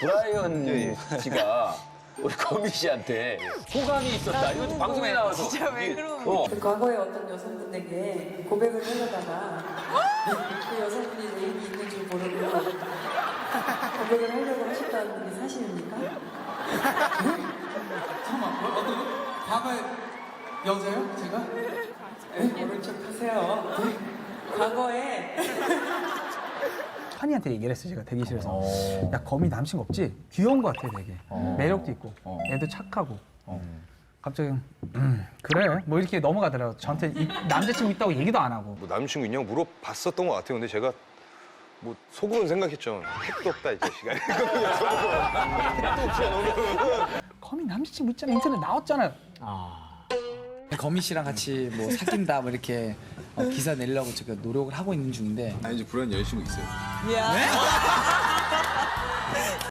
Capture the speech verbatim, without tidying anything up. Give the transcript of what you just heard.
브라이언 씨가 우리 거미 씨한테 호감이 있었다. 이거 방송에 나와서. 진짜 왜 그러는 어. 그 과거에 어떤 여성분에게 고백을 하려다가 그 여성분이 내 입이 있는 줄 모르고 고백을 하려고 하셨다는 게 사실입니까? 잠깐만, 뭐, 어떤 과거의 여자요? 제가? 네, 모른 척 하세요. 과거에 환희한테 얘기를 했어요, 제가 대기실에서. 야, 거미 남친 없지? 귀여운 것 같아, 되게. 매력도 있고, 애도 착하고. 갑자기, 음, 그래. 뭐 이렇게 넘어가더라고요. 저한테 이- 남자친구 있다고 얘기도 안 하고. 뭐 남친구 있냐고 물어봤었던 것 같아요. 근데 제가 뭐 속으로는 생각했죠. 택도 없다 이 자식아. 택도 없지 너는. 거미 남자친구 있잖아, 인터넷 나왔잖아요. 거미 씨랑 같이 뭐 사귄다 뭐 이렇게 어, 기사 내려고 제가 노력을 하고 있는 중인데 아니 이제 불안 여자친구 있어요. 야.